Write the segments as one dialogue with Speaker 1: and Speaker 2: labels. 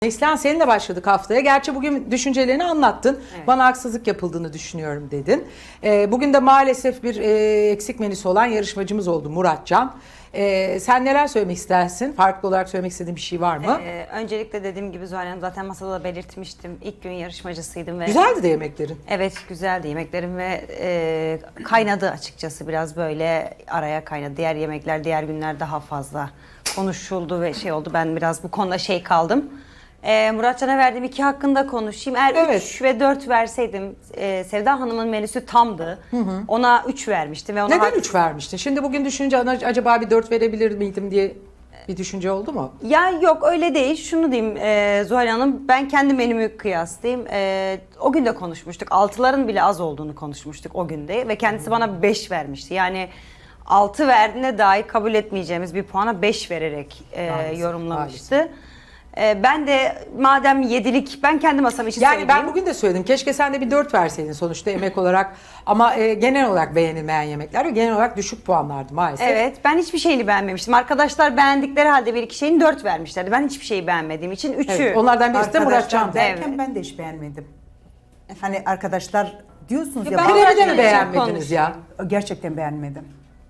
Speaker 1: Neslihan seninle başladık haftaya. Gerçi bugün düşüncelerini anlattın. Evet. Bana haksızlık yapıldığını düşünüyorum dedin. Bugün de maalesef bir eksik menüsü olan yarışmacımız oldu Muratcan. Sen neler söylemek istersin? Farklı olarak söylemek istediğin bir şey var mı?
Speaker 2: Öncelikle dediğim gibi Zuhal Hanım zaten masada da belirtmiştim. İlk gün yarışmacısıydım. Ve
Speaker 1: güzeldi de yemeklerin.
Speaker 2: Evet güzeldi yemeklerim ve kaynadı açıkçası biraz böyle araya kaynadı. Diğer yemekler diğer günler daha fazla konuşuldu ve şey oldu. Ben biraz bu konuda kaldım. Muratcan'a verdiğim 2 hakkında konuşayım. Eğer 3 ve 4 verseydim Sevda Hanım'ın menüsü tamdı. Ona 3 vermiştim. Ve ona
Speaker 1: neden 3 vermiştin? Şimdi bugün düşünce acaba bir 4 verebilir miydim diye bir düşünce oldu mu?
Speaker 2: Ya yok öyle değil. Şunu diyeyim Zuhal Hanım, ben kendi menümü kıyaslayayım. O gün de konuşmuştuk. 6'ların bile az olduğunu konuşmuştuk o günde. Ve kendisi bana 5 vermişti. Yani 6 verdiğinde dahi kabul etmeyeceğimiz bir puana 5 vererek yorumlamıştı. Maalesef. Ben de madem 7'lik ben kendi masam için
Speaker 1: yani
Speaker 2: söyleyeyim.
Speaker 1: Ben bugün de söyledim. Keşke sen de bir 4 verseydin sonuçta emek olarak. Ama genel olarak beğenilmeyen yemekler ve genel olarak düşük puanlardı maalesef.
Speaker 2: Evet, ben hiçbir şeyini beğenmemiştim. Arkadaşlar beğendikleri halde bir iki şeyin 4 vermişlerdi. Ben hiçbir şeyi beğenmediğim için 3'ü.
Speaker 1: Evet, onlardan birisi de Muratcan
Speaker 3: derken
Speaker 2: Evet.
Speaker 3: ben de hiç beğenmedim. Hani arkadaşlar diyorsunuz ya.
Speaker 2: Ben
Speaker 1: Krebi de mi
Speaker 2: Muratcan'ı
Speaker 1: beğenmediniz ya?
Speaker 3: Gerçekten beğenmedim.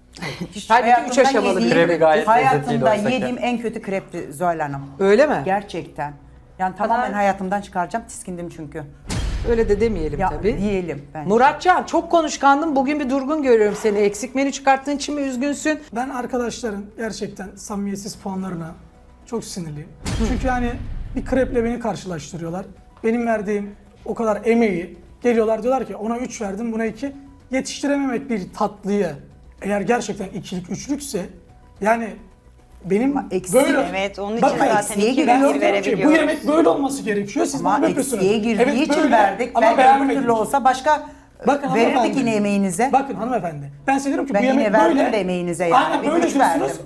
Speaker 1: Halbuki 3 aşamalı bir
Speaker 4: Krebi gayet lezzetliydi
Speaker 3: hayatımda
Speaker 4: oysa ki.
Speaker 3: yediğim en kötü krepti Zuhal Hanım.
Speaker 1: Öyle mi?
Speaker 3: Gerçekten. Yani tamamen hayatımdan çıkaracağım. Tiskindim çünkü.
Speaker 1: Öyle de demeyelim
Speaker 3: Ya
Speaker 1: tabii.
Speaker 3: diyelim bence.
Speaker 1: Muratcan çok konuşkandın. Bugün bir durgun görüyorum seni. Eksik menü çıkarttığın için mi üzgünsün?
Speaker 5: Ben arkadaşların gerçekten samimiyetsiz puanlarına çok sinirliyim. Çünkü yani bir kreple beni karşılaştırıyorlar. Benim verdiğim o kadar emeği geliyorlar diyorlar ki ona 3 verdim buna 2. Yetiştirememek bir tatlıyı eğer gerçekten ikilik üçlükse yani benim
Speaker 3: eksiği,
Speaker 5: böyle...
Speaker 2: Evet, onun için
Speaker 5: Bakın,
Speaker 2: zaten
Speaker 3: eksiğe
Speaker 2: 2
Speaker 3: giriyor.
Speaker 2: ve 1
Speaker 5: bu
Speaker 2: verebiliyoruz.
Speaker 5: yemek böyle olması gerekiyor. Siz
Speaker 3: Ama
Speaker 5: bana yapıyorsunuz.
Speaker 3: eksiğe girdiği için
Speaker 5: böyle,
Speaker 3: verdik.
Speaker 5: ama
Speaker 3: Belki öbür
Speaker 5: beğenmedim.
Speaker 3: türlü olsa başka
Speaker 5: Bakın
Speaker 3: verirdik
Speaker 5: hanımefendi.
Speaker 3: yine emeğinize.
Speaker 5: Bakın hanımefendi. Ben size diyorum ki
Speaker 3: Ben
Speaker 5: bu
Speaker 3: yine
Speaker 5: yemek
Speaker 3: verdim
Speaker 5: böyle.
Speaker 3: de emeğinize yani.
Speaker 5: Aynen
Speaker 3: Bir
Speaker 5: böyle
Speaker 3: üç
Speaker 5: diyorsunuz.
Speaker 3: verdim.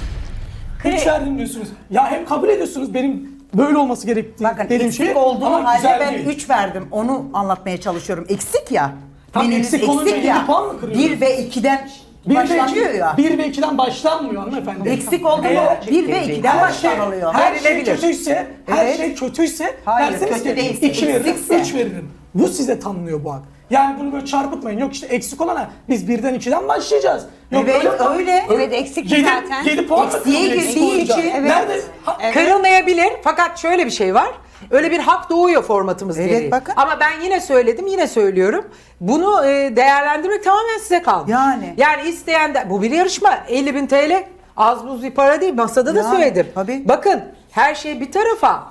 Speaker 5: 3 verdim diyorsunuz. Ya hem kabul ediyorsunuz benim böyle olması gerektiği
Speaker 3: Bakın
Speaker 5: dediğim
Speaker 3: eksik
Speaker 5: şey
Speaker 3: olduğu
Speaker 5: ama
Speaker 3: halde
Speaker 5: güzel
Speaker 3: ben
Speaker 5: değil.
Speaker 3: 3 verdim. Onu anlatmaya çalışıyorum. Eksik ya.
Speaker 5: Tam
Speaker 3: Menünüz
Speaker 5: eksik olunca yedi puan mı kırıyorsunuz?
Speaker 3: 1 ve 2'den başlanıyor ya.
Speaker 5: 1 ve 2'den başlanmıyor hanımefendi.
Speaker 3: Eksik oldu mu
Speaker 5: Eğer
Speaker 3: 1 ve 2'den
Speaker 5: her şey,
Speaker 3: başlanılıyor.
Speaker 5: her şey
Speaker 1: Verilebilir.
Speaker 5: kötüyse, her
Speaker 3: Evet.
Speaker 5: şey kötüyse
Speaker 3: Hayır,
Speaker 5: derseniz
Speaker 3: kötü
Speaker 5: ki
Speaker 3: değilse,
Speaker 5: 2 veririm,
Speaker 3: eksikse.
Speaker 5: 3 veririm. Bu size tanınıyor bu hak. Yani bunu böyle çarpıtmayın. Yok işte eksik olana biz 1'den 2'den başlayacağız. Yok
Speaker 3: Evet, öyle.
Speaker 2: Evet, eksik zaten.
Speaker 5: 7 puan da
Speaker 3: Eksiğe
Speaker 5: kırılıyor, eksik
Speaker 3: girdiği
Speaker 5: olunca.
Speaker 3: için, evet.
Speaker 5: Nerede?
Speaker 1: Kırılmayabilir fakat şöyle bir şey var. Öyle bir hak doğuyor formatımız
Speaker 3: Evet,
Speaker 1: gereği.
Speaker 3: bakın.
Speaker 1: Ama ben yine söyledim, yine söylüyorum. Bunu değerlendirmek tamamen size kalmış. Yani isteyen de, bu bir yarışma. 50.000 TL az buz bir para değil. Masada da
Speaker 3: Yani,
Speaker 1: söyledim.
Speaker 3: tabii.
Speaker 1: Bakın her şey bir tarafa.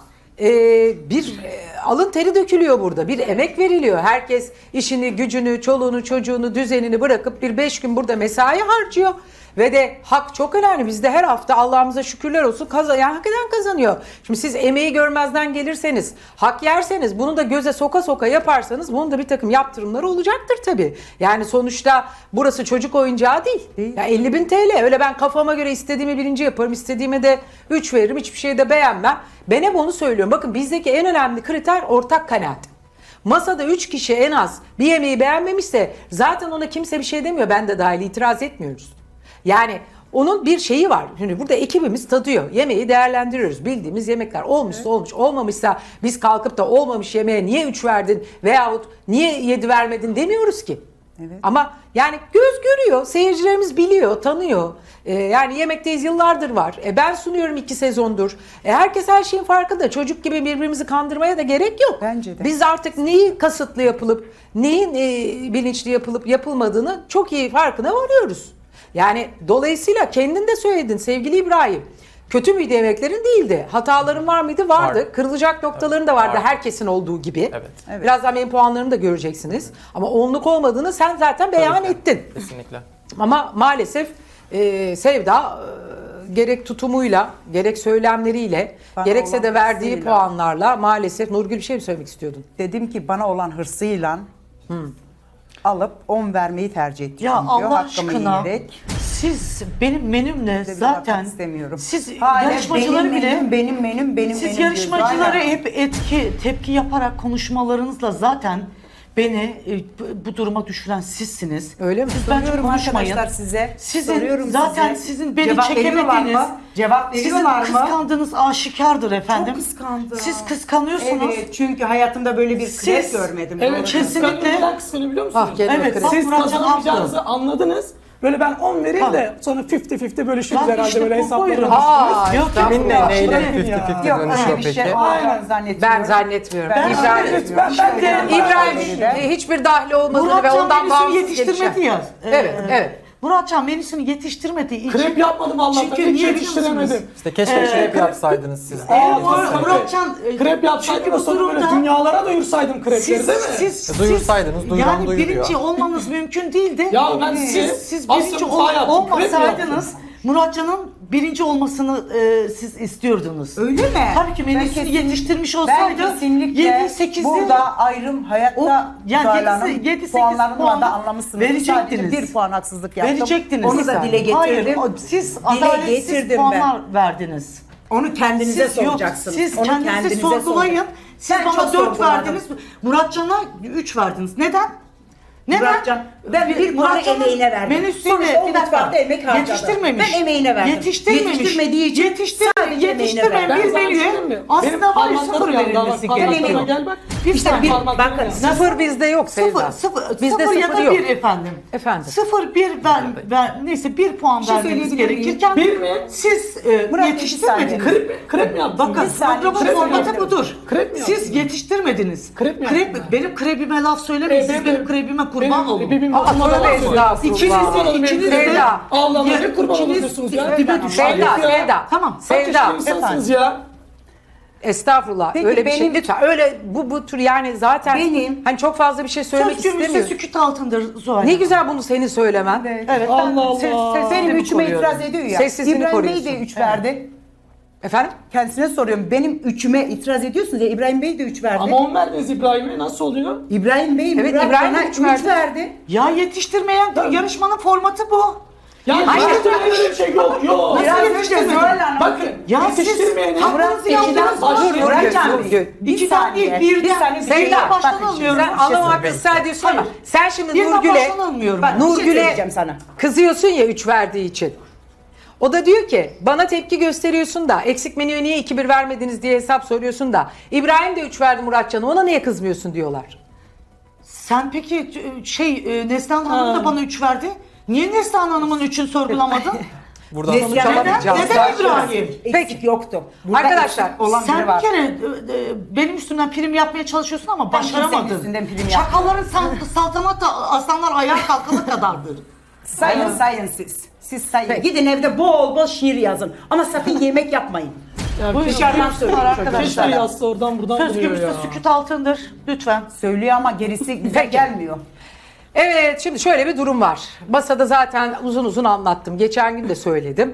Speaker 1: Alın teri dökülüyor burada. Bir emek veriliyor. Herkes işini, gücünü, çoluğunu, çocuğunu, düzenini bırakıp bir 5 gün burada mesai harcıyor. Ve de hak çok önemli. Biz de her hafta Allah'ımıza şükürler olsun yani hak eden kazanıyor. Şimdi siz emeği görmezden gelirseniz, hak yerseniz, bunu da göze soka soka yaparsanız bunun da bir takım yaptırımları olacaktır tabii. Yani sonuçta burası çocuk oyuncağı değil. Ya 50.000 TL. Öyle ben kafama göre istediğimi 1. yaparım, istediğime de 3 veririm, hiçbir şeyi de beğenmem. Ben hep onu söylüyorum. Bakın bizdeki en önemli kriter ortak kanaat. Masada 3 kişi en az bir yemeği beğenmemişse zaten ona kimse bir şey demiyor. Ben de dahil itiraz etmiyoruz. Yani onun bir şeyi var. Şimdi burada ekibimiz tadıyor. Yemeği değerlendiriyoruz. Bildiğimiz yemekler olmuşsa olmuş, olmamışsa biz kalkıp da olmamış yemeğe niye 3 verdin veyahut niye 7 vermedin demiyoruz ki.
Speaker 3: Evet.
Speaker 1: Ama yani göz görüyor, seyircilerimiz biliyor, tanıyor. Yani Yemekteyiz yıllardır var. Ben sunuyorum 2 sezondur. Herkes her şeyin farkında. Çocuk gibi birbirimizi kandırmaya da gerek yok.
Speaker 3: Bence de.
Speaker 1: Biz artık neyi kasıtlı yapılıp, neyin bilinçli yapılıp yapılmadığını çok iyi farkına varıyoruz. Yani dolayısıyla kendin de söyledin sevgili İbrahim. Kötü müydü yemeklerin? Değildi. Hataların var mıydı? Vardı.
Speaker 4: Vardı.
Speaker 1: Kırılacak noktaların da vardı.
Speaker 4: Vardı.
Speaker 1: Herkesin olduğu gibi.
Speaker 4: Evet.
Speaker 1: Birazdan benim puanlarımı da göreceksiniz. Ama onluk olmadığını sen zaten beyan
Speaker 4: Tabii ki.
Speaker 1: ettin.
Speaker 4: Kesinlikle.
Speaker 1: Ama maalesef Sevda gerek tutumuyla, gerek söylemleriyle,
Speaker 3: Bana
Speaker 1: gerekse
Speaker 3: olan
Speaker 1: de verdiği
Speaker 3: hırsıyla.
Speaker 1: puanlarla maalesef Nurgül bir şey mi söylemek istiyordun?
Speaker 3: Dedim ki bana olan hırsıyla alıp 10 vermeyi tercih ettim.
Speaker 6: Ya
Speaker 3: diyor,
Speaker 6: Allah
Speaker 3: hakkımı
Speaker 6: aşkına
Speaker 3: yiyerek.
Speaker 6: siz benim menümle
Speaker 3: Bir
Speaker 6: zaten
Speaker 3: bakmak istemiyorum.
Speaker 6: siz
Speaker 3: Hala
Speaker 6: yarışmacıları
Speaker 3: benim
Speaker 6: bile
Speaker 3: menüm, benim
Speaker 6: siz
Speaker 3: menüm
Speaker 6: yarışmacıları
Speaker 3: diyor.
Speaker 6: hep tepki yaparak konuşmalarınızla zaten beni bu duruma düşüren sizsiniz.
Speaker 1: Öyle mi?
Speaker 6: Siz bence
Speaker 3: Soruyorum
Speaker 6: konuşmayın.
Speaker 3: arkadaşlar size.
Speaker 6: Sizin
Speaker 3: Soruyorum
Speaker 6: zaten
Speaker 3: size.
Speaker 6: sizin beni
Speaker 3: Cevap veriyorlar
Speaker 6: çekemediğiniz,
Speaker 3: mı? Cevap
Speaker 6: sizin
Speaker 3: veriyorlar mı?
Speaker 6: kıskandığınız aşikardır efendim.
Speaker 3: Çok kıskandı.
Speaker 6: Siz kıskanıyorsunuz.
Speaker 3: Evet, çünkü hayatımda böyle bir krep
Speaker 6: Siz-
Speaker 3: görmedim.
Speaker 5: Evet,
Speaker 3: Doğru.
Speaker 6: kesinlikle.
Speaker 5: Neden kıskanıyor biliyor musunuz?
Speaker 1: Ah, geliyor
Speaker 6: Evet,
Speaker 1: krep.
Speaker 6: bak
Speaker 5: Siz
Speaker 6: Muratcan
Speaker 5: kazanamayacağınızı
Speaker 6: haklı.
Speaker 5: anladınız. Böyle ben 10 vereyim
Speaker 6: Ha.
Speaker 5: de sonra 50-50 bölüşürüz
Speaker 6: Bak
Speaker 5: herhalde
Speaker 6: işte
Speaker 5: böyle
Speaker 6: bu
Speaker 5: hesaplara
Speaker 6: buyurun.
Speaker 1: Aa,
Speaker 6: Yok,
Speaker 1: estağfurullah.
Speaker 4: Kiminle neyle
Speaker 5: Bırakın
Speaker 4: 50-50
Speaker 3: Yok
Speaker 4: dönüşüyor
Speaker 3: öyle bir şey
Speaker 4: peki?
Speaker 3: olacağını zannetmiyorum.
Speaker 1: Ben zannetmiyorum.
Speaker 3: Ben
Speaker 1: İbrahim,
Speaker 5: Ben de
Speaker 1: İbrahim hiçbir dahli olmadığını ve
Speaker 6: Muratcan
Speaker 1: ondan
Speaker 6: menüsünü
Speaker 1: bağımsız
Speaker 6: yetiştirmedi
Speaker 1: gelişen.
Speaker 6: ya.
Speaker 1: Evet, evet.
Speaker 6: Muratcan menüsünü yetiştirmediği için.
Speaker 5: krep yapmadım Allah'tan.
Speaker 6: Çünkü
Speaker 5: Hiç
Speaker 6: niye biliyor
Speaker 5: yetiştiremedim.
Speaker 4: İşte keşke krep yapsaydınız siz.
Speaker 6: Muratcan
Speaker 5: Krep yapsaydım
Speaker 6: çünkü
Speaker 5: da
Speaker 6: bu
Speaker 5: sonra böyle
Speaker 6: durumda
Speaker 5: dünyalara doyursaydım krepleri
Speaker 6: siz,
Speaker 5: değil mi?
Speaker 4: Duyursaydınız, duyuran
Speaker 6: yani
Speaker 4: duyuruyor.
Speaker 6: birinci olmanız mümkün değildi.
Speaker 5: Ya ben
Speaker 6: siz
Speaker 5: Asya
Speaker 6: birinci
Speaker 5: mutfağı yaptım, krep
Speaker 6: olmasaydınız
Speaker 5: yaptım.
Speaker 6: Muratcan'ın birinci olmasını siz istiyordunuz.
Speaker 3: Öyle mi?
Speaker 6: Tabii ki menüsünü
Speaker 3: Ben kesin-
Speaker 6: yetiştirmiş
Speaker 3: Ben
Speaker 6: olsaydı
Speaker 3: kesinlikle
Speaker 6: 7-8'de
Speaker 3: burada ayrım hayatta
Speaker 6: yani
Speaker 3: Zuhal Hanım,
Speaker 6: 7-8
Speaker 3: puanlarını
Speaker 6: puanı
Speaker 3: da anlamışsınız.
Speaker 6: verecektiniz.
Speaker 3: Sadece bir puan haksızlık yaptım.
Speaker 6: verecektiniz.
Speaker 3: Onu da dile getirdim.
Speaker 6: Hayır, siz adaletsiz
Speaker 3: getirdim
Speaker 6: puanlar verdiniz.
Speaker 3: Onu kendinize
Speaker 6: Siz yok,
Speaker 3: soracaksınız.
Speaker 6: siz
Speaker 3: Onu
Speaker 6: kendinizi sorgulayın.
Speaker 3: soracaksınız.
Speaker 6: Siz
Speaker 3: Ben
Speaker 6: bana
Speaker 3: çok
Speaker 6: 4
Speaker 3: sorguladım.
Speaker 6: verdiniz. Muratcan'a 3 verdiniz. Neden? Neden?
Speaker 3: Muratcan, ben bir puanı
Speaker 6: Muratcan'ın
Speaker 3: emeğine verdim.
Speaker 6: menüsüyle
Speaker 3: Sonuçta o
Speaker 6: bir dakika,
Speaker 3: mutfakta emek harcadı.
Speaker 6: yetiştirmemiş.
Speaker 3: Ben emeğine verdim.
Speaker 6: Yetiştirmemiş.
Speaker 3: Yetiştirmediği için sadece emeğine
Speaker 6: yetiştirmeyen
Speaker 5: Ben
Speaker 6: bir
Speaker 5: sana bir şey diyeyim
Speaker 6: menüye
Speaker 5: mi?
Speaker 6: aslında
Speaker 5: Benim
Speaker 6: var ya
Speaker 5: parmaklarım
Speaker 6: sıfır
Speaker 5: yandı.
Speaker 6: verilmesi
Speaker 5: Parmaklarıma
Speaker 6: gerekiyor.
Speaker 5: gel bak.
Speaker 3: İşte bir
Speaker 5: Parmaklarım
Speaker 3: bakın
Speaker 5: yandı.
Speaker 1: Sıfır bizde yok Sevda. Bizde
Speaker 6: sıfır ya
Speaker 1: sıfır
Speaker 6: da
Speaker 1: yok.
Speaker 6: 1 efendim.
Speaker 1: Efendim.
Speaker 6: 0 1 neyse 1 puan
Speaker 3: şey
Speaker 6: vermeniz
Speaker 3: söyleyebilir miyim?
Speaker 6: gerekirken
Speaker 5: Bir mi?
Speaker 6: siz
Speaker 3: Murat,
Speaker 6: yetiştirmediniz.
Speaker 5: Krep mi yaptın?
Speaker 6: Bakın
Speaker 3: Bir saniye,
Speaker 6: programın
Speaker 3: krep mi
Speaker 6: formatı
Speaker 3: yaptın?
Speaker 6: budur.
Speaker 5: Krep mi
Speaker 6: Siz
Speaker 5: yaptın?
Speaker 6: yetiştirmediniz.
Speaker 5: Krep mi yaptın?
Speaker 6: Benim krebime laf söylemeyin. Siz benim krebime kurban olun.
Speaker 1: Aa, tövbe estağfurullah.
Speaker 6: İkiniz de
Speaker 1: Sevda.
Speaker 5: Allah'ım
Speaker 6: Ya,
Speaker 5: ne kurban
Speaker 6: ikiniz
Speaker 5: oluyorsunuz ya?
Speaker 6: dibe düşün.
Speaker 1: Sevda,
Speaker 5: Ya.
Speaker 1: Sevda.
Speaker 6: Tamam,
Speaker 1: Sevda.
Speaker 5: İnsansınız ya.
Speaker 1: Estağfurullah.
Speaker 3: Peki
Speaker 1: öyle bir şey
Speaker 3: benim-
Speaker 1: lütfen. Öyle bu tür yani zaten
Speaker 3: Benim-
Speaker 1: hani çok fazla bir şey söylemek
Speaker 6: Söz gümüşse
Speaker 1: istemiyorum.
Speaker 6: sükut altındır Zuhal.
Speaker 1: Ne güzel bunu senin söylemen.
Speaker 6: Evet.
Speaker 5: Allah Allah.
Speaker 3: Benim üçüme
Speaker 6: koruyorum.
Speaker 3: itiraz ediyor ya.
Speaker 1: Sessizliğini
Speaker 3: İbrahim Bey
Speaker 1: koruyorsun.
Speaker 3: de 3 verdi.
Speaker 1: Efendim?
Speaker 3: Kendisine soruyorum. Benim üçüme itiraz ediyorsunuz ya. İbrahim Bey de 3 verdi.
Speaker 5: Ama 10 verdiniz İbrahim'e nasıl oluyor?
Speaker 3: İbrahim Bey,
Speaker 1: Evet,
Speaker 3: Murat
Speaker 1: İbrahim
Speaker 3: bana
Speaker 1: de üç
Speaker 3: 3
Speaker 1: verdi.
Speaker 3: verdi.
Speaker 6: Ya yetiştirmeyen yarışmanın formatı bu.
Speaker 5: Ya yetiştirmeyen öyle bir şey yok. Yok.
Speaker 3: Biraz önce
Speaker 6: yetiştirmedin?
Speaker 3: Zuhal Hanım.
Speaker 5: Bakın
Speaker 6: Ya siz
Speaker 5: yetiştirmeyeni
Speaker 6: hakkınızı
Speaker 3: Murat
Speaker 6: yaptınız.
Speaker 3: Geçiden
Speaker 5: başlıyor.
Speaker 3: Muratcan
Speaker 1: Dur,
Speaker 3: Bey.
Speaker 1: dur.
Speaker 3: Bir
Speaker 6: İkiden
Speaker 3: saniye.
Speaker 6: değil,
Speaker 3: Bir
Speaker 6: birden.
Speaker 3: saniye. bir
Speaker 1: Sevda,
Speaker 3: şey-
Speaker 6: baştan
Speaker 3: bakın,
Speaker 6: alıyorum.
Speaker 1: Sen anlamak ister diyorsun ama sen şimdi
Speaker 6: Birden
Speaker 1: Nurgül'e
Speaker 6: baştan almıyorum.
Speaker 3: Bak, bir şey
Speaker 1: Nurgül'e
Speaker 3: söyleyeceğim sana.
Speaker 1: kızıyorsun ya 3 verdiği için. O da diyor ki bana tepki gösteriyorsun da eksik menüye niye 2-1 vermediniz diye hesap soruyorsun da İbrahim de 3 verdi Muratcan'a ona niye kızmıyorsun diyorlar.
Speaker 6: Sen peki Neslihan Hanım da bana 3 verdi. Niye Neslihan Hanım'ın 3'ünü sorgulamadın?
Speaker 4: Buradan
Speaker 3: Neslihan
Speaker 4: sonuç
Speaker 3: Hanım-
Speaker 4: alamayacağız.
Speaker 6: Neden İbrahim?
Speaker 3: Eksik yoktu. Burada
Speaker 1: Arkadaşlar,
Speaker 3: eksik olan
Speaker 6: Sen
Speaker 3: biri
Speaker 6: bir
Speaker 3: var.
Speaker 6: kere benim üstümden prim yapmaya çalışıyorsun ama başaramadın.
Speaker 3: kimsenin üstünden prim
Speaker 6: Çakalların saltanat aslanlar ayağa kalkana kadardır.
Speaker 3: Sayın siz. Siz sayın. Gidin evde bol bol şiir yazın. Ama sakın yemek yapmayın.
Speaker 6: Buyurun.
Speaker 3: Dışarıdan söylüyorum
Speaker 5: Keşke
Speaker 6: arkadaşlar.
Speaker 5: yazsa oradan buradan
Speaker 6: Söz
Speaker 5: buluyor
Speaker 6: gümüşse
Speaker 5: ya.
Speaker 6: sükut altındır. Lütfen.
Speaker 3: Söylüyor ama gerisi bize
Speaker 1: Peki.
Speaker 3: gelmiyor.
Speaker 1: Evet şimdi şöyle bir durum var. Masada zaten uzun uzun anlattım. Geçen gün de söyledim.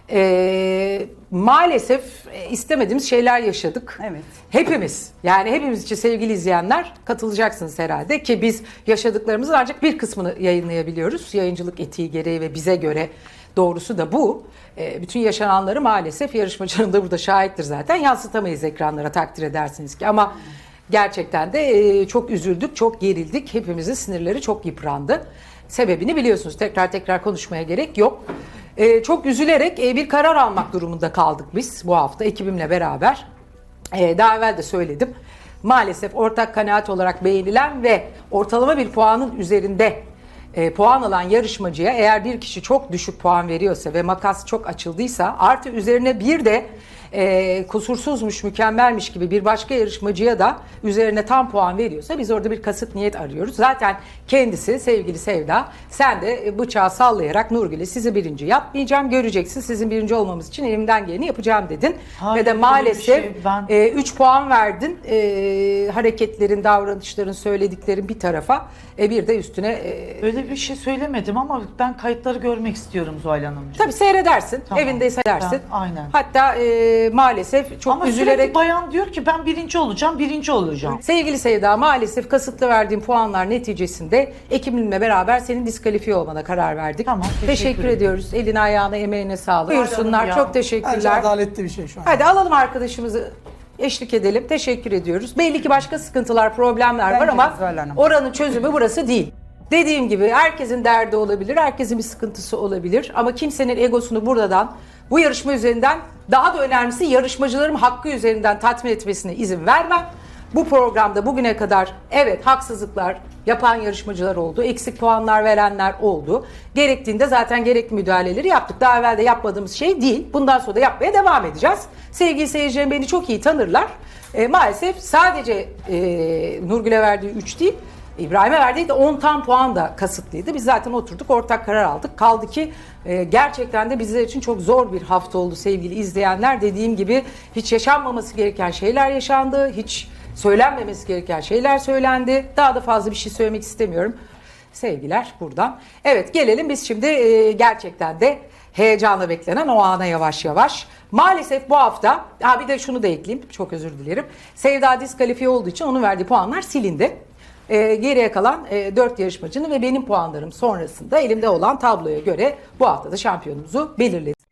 Speaker 1: Maalesef istemediğimiz şeyler yaşadık.
Speaker 3: Evet.
Speaker 1: Hepimiz yani hepimiz için sevgili izleyenler katılacaksınız herhalde ki biz yaşadıklarımızın ancak bir kısmını yayınlayabiliyoruz. Yayıncılık etiği gereği ve bize göre doğrusu da bu. Bütün yaşananları maalesef yarışmacının da burada şahittir zaten yansıtamayız ekranlara takdir edersiniz ki ama gerçekten de çok üzüldük, çok gerildik. Hepimizin sinirleri çok yıprandı. Sebebini biliyorsunuz. Tekrar konuşmaya gerek yok. Çok üzülerek bir karar almak durumunda kaldık biz bu hafta ekibimle beraber. Daha evvel de söyledim. Maalesef ortak kanaat olarak beğenilen ve ortalama bir puanın üzerinde puan alan yarışmacıya eğer bir kişi çok düşük puan veriyorsa ve makas çok açıldıysa artı üzerine bir de kusursuzmuş, mükemmelmiş gibi bir başka yarışmacıya da üzerine tam puan veriyorsa biz orada bir kasıt niyet arıyoruz. Zaten kendisi sevgili Sevda sen de bıçağı sallayarak Nurgül'e sizi birinci yapmayacağım göreceksin sizin birinci olmamız için elimden geleni yapacağım dedin.
Speaker 6: Hayır,
Speaker 1: ve de
Speaker 6: öyle bir
Speaker 1: maalesef
Speaker 6: şey ben-
Speaker 1: 3 puan verdin hareketlerin, davranışların, söylediklerin bir tarafa bir de üstüne
Speaker 6: Öyle bir şey söylemedim ama ben kayıtları görmek istiyorum Zuhal Hanımcığım.
Speaker 1: tabii seyredersin
Speaker 6: Tamam.
Speaker 1: evinde seyredersin.
Speaker 6: Ben- aynen.
Speaker 1: Hatta maalesef çok
Speaker 6: Ama
Speaker 1: üzülerek
Speaker 6: sürekli bayan diyor ki ben birinci olacağım.
Speaker 1: sevgili Sevda maalesef kasıtlı verdiğim puanlar neticesinde ekibimle beraber senin diskalifiye olmana karar verdik.
Speaker 6: Tamam,
Speaker 1: Teşekkür
Speaker 6: teşekkür ederim.
Speaker 1: ediyoruz. Eline ayağına emeğine sağlık. Buyursunlar.
Speaker 6: ya.
Speaker 1: Çok
Speaker 5: Bence
Speaker 1: teşekkürler.
Speaker 5: adaletli bir şey şu an.
Speaker 1: Hadi alalım arkadaşımızı eşlik edelim. Teşekkür ediyoruz. Belli ki başka sıkıntılar, problemler var
Speaker 3: Bence
Speaker 1: ama
Speaker 3: Zuhal Hanım.
Speaker 1: oranın çözümü burası değil. Dediğim gibi herkesin derdi olabilir, herkesin bir sıkıntısı olabilir ama kimsenin egosunu buradan, bu yarışma üzerinden, daha da önemlisi yarışmacılarım hakkı üzerinden tatmin etmesine izin vermem. Bu programda bugüne kadar evet haksızlıklar yapan yarışmacılar oldu, eksik puanlar verenler oldu. Gerektiğinde zaten gerekli müdahaleleri yaptık. Daha evvel de yapmadığımız şey değil. Bundan sonra da yapmaya devam edeceğiz. Sevgili seyircilerim beni çok iyi tanırlar. Maalesef sadece Nurgül'e verdiği 3 değil, İbrahim'e verdiği de 10 tam puan da kasıtlıydı. Biz zaten oturduk, ortak karar aldık. Kaldı ki gerçekten de bizler için çok zor bir hafta oldu sevgili izleyenler. Dediğim gibi hiç yaşanmaması gereken şeyler yaşandı. Hiç söylenmemesi gereken şeyler söylendi. Daha da fazla bir şey söylemek istemiyorum. Sevgiler buradan. Evet gelelim biz şimdi gerçekten de heyecanla beklenen o ana yavaş yavaş. Maalesef bu hafta, bir de şunu da ekleyeyim, çok özür dilerim. Sevda diskalifiye olduğu için onun verdiği puanlar silindi. Geriye kalan 4 yarışmacının ve benim puanlarım sonrasında elimde olan tabloya göre bu hafta da şampiyonumuzu belirledik.